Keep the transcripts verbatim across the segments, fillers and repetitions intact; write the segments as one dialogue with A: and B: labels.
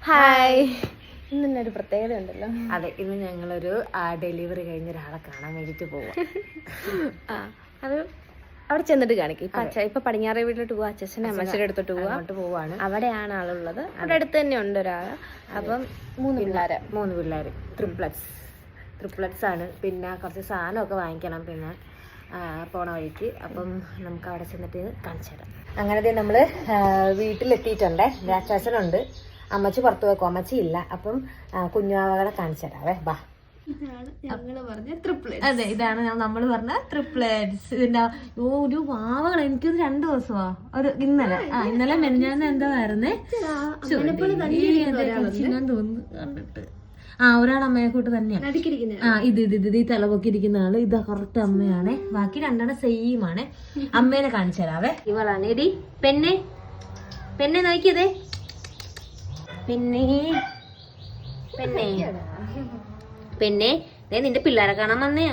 A: Hi. ഇന്നൊരു പ്രത്യേകത ഉണ്ടല്ലോ.
B: അതെ, ഇന്ന് ഞങ്ങളൊരു ഡെലിവറി കഴിഞ്ഞ ഒരാളെ കാണാൻ വേണ്ടിട്ട് പോവാം.
A: ആ അത് അവിടെ ചെന്നിട്ട് കാണിക്കും. ഇപ്പൊ അച്ഛ ഇപ്പൊ പടിഞ്ഞാറേ വീട്ടിലോട്ട് പോവാ, അച്ഛനെ അമ്മച്ചയുടെ അടുത്തോട്ട് പോവാ.
B: അങ്ങോട്ട് പോവാണ്.
A: അവിടെയാണ് ആളുള്ളത്. അവിടെ അടുത്ത് തന്നെ ഉണ്ട് ഒരാള്. അപ്പം മൂന്ന് പിള്ളേര്
B: മൂന്ന് പിള്ളേര് ട്രിപ്ലറ്റ്സ് ട്രിപ്ലറ്റ്സ് ആണ്. പിന്നെ കുറച്ച് സാധനമൊക്കെ വാങ്ങിക്കണം പിന്നെ പോണ വഴിക്ക്. അപ്പം നമുക്ക് അവിടെ ചെന്നിട്ട് കാണിച്ചു തരാം. അങ്ങനെ നമ്മള് വീട്ടിലെത്തിയിട്ടുണ്ടേ. രാക്ഷസനുണ്ട്, അമ്മച്ചി പുറത്ത് വെക്കും, അമ്മച്ചി ഇല്ല. അപ്പം കുഞ്ഞുവാവകളെ കാണിച്ചു തരാവേ, ബാ. അതെ, ഇതാണ് നമ്മൾ പറഞ്ഞ ട്രിപ്ലറ്റ്സ്. ഇതിന്റെ ഒരു വാവകൾ എനിക്കൊരു രണ്ടു ദിവസമാ ഒരു ഇന്നലെ ആ ഇന്നലെ മെനഞ്ഞാന്ന് എന്താ വരുന്നേ ഞാൻ തോന്നുന്നു കണ്ടിട്ട്. ആ ഒരാൾ അമ്മയെ കൂട്ട് തന്നെയാണ്. ആ ഇത് ഇത് ഇത് ഈ തലപൊക്കി ഇരിക്കുന്ന ആള് ഇതാ കറക്റ്റ് അമ്മയാണേ. ബാക്കി രണ്ടെണ്ണം സെയിം ആണേ. അമ്മേനെ കാണിച്ചു തരാവേ. ഇവളാണ് എടി പെണ്ണെ പെണ്ണെ നോക്കിയതേ പെണ്ണെ പെണ്ണെ പെണ്ണെ ദേ നിന്റെ പിള്ളേരെ കാണാൻ വന്നയാ.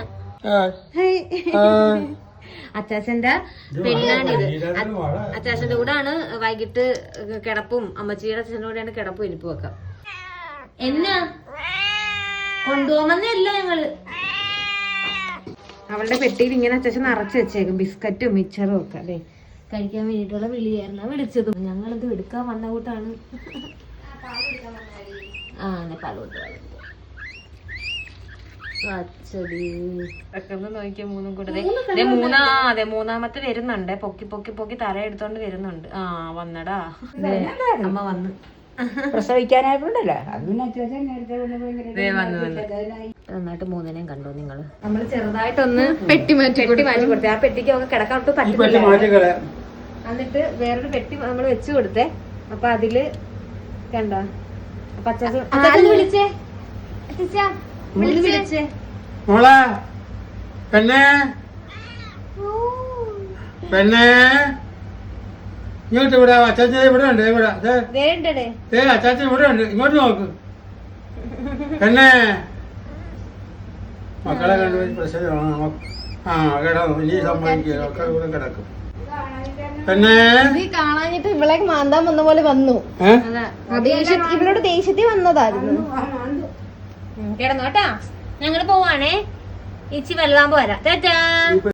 B: അച്ചാച്ചന്റെ പെണ്ണാണിത്. അച്ചാച്ചന്റെ കൂടെ ആണ് വൈകിട്ട് കിടപ്പും. അമ്മച്ചിയുടെ അച്ഛൻ്റെ കൂടെയാണ് കിടപ്പും ഇരിപ്പും ഒക്കെ. എന്നാ കൊണ്ടുപോകുന്നല്ല ഞങ്ങള്. അവളുടെ പെട്ടിയിൽ ഇങ്ങനെ അച്ചാച്ചൻ നിറച്ച് വെച്ചേക്കും ബിസ്ക്കറ്റും മിച്ചറും ഒക്കെ. അതെ, കഴിക്കാൻ വേണ്ടിയിട്ടുള്ള വിളിയായിരുന്നു വിളിച്ചതും. ഞങ്ങളിത് എടുക്കാൻ വന്ന കൂട്ടാണ്. ആ പാല് കൊടുത്തു നോക്കിയ മൂന്നും കൂടെ മൂന്നാ അതെ മൂന്നാമത്തെ വരുന്നുണ്ട്. പൊക്കി പൊക്കി പൊക്കി തല എടുത്തോണ്ട് വരുന്നുണ്ട്. ആ വന്നടാ അമ്മ വന്ന്
C: പ്രസവിക്കാനായിട്ടുണ്ടല്ലോ.
B: നന്നായിട്ട് മൂന്നിനെയും കണ്ടു നിങ്ങള്.
A: നമ്മള് ചെറുതായിട്ടൊന്ന് പെട്ടി മാറ്റി
B: പെട്ടി മാറ്റി കൊടുത്തേ. ആ പെട്ടിക്ക് ഒക്കെ കിടക്കാൻ ഒട്ടും പറ്റില്ല. എന്നിട്ട് വേറൊരു പെട്ടി നമ്മള് വെച്ചു കൊടുത്തേ. അപ്പൊ അതില് കണ്ടോ അപ്പൊ അച്ചാച്ചൻ വിളിച്ചേ വിളിച്ചേ
C: മോളെ പെണ്ണേ പെണ്ണേ ഇങ്ങോട്ട് ഇവിടെ അച്ചാച്ചൻ ഇവിടെ ഉണ്ട്. ഇവിടെ ഏ അച്ചാച്ചൻ ഇവിടെ ഉണ്ട്. ഇങ്ങോട്ട് നോക്ക് പെണ്ണേ. മക്കളെ കണ്ടു പ്രശ്നം. ആ കിടന്നു ഇനി സംഭവിക്കുക ഒക്കെ ഇവിടെ കിടക്കും. പെണ്ണേ
A: കാണാഞ്ഞിട്ട് ഇവളെ മാന്താൻ വന്ന പോലെ വന്നു. ഇവളോട് ദേഷ്യത്തിൽ വന്നതായിരുന്നു.
B: കിടന്നോട്ടാ, ഞങ്ങള് പോവാണേ. ഇച്ചി വലുതാകുമ്പോ വരാം. ടാറ്റാ.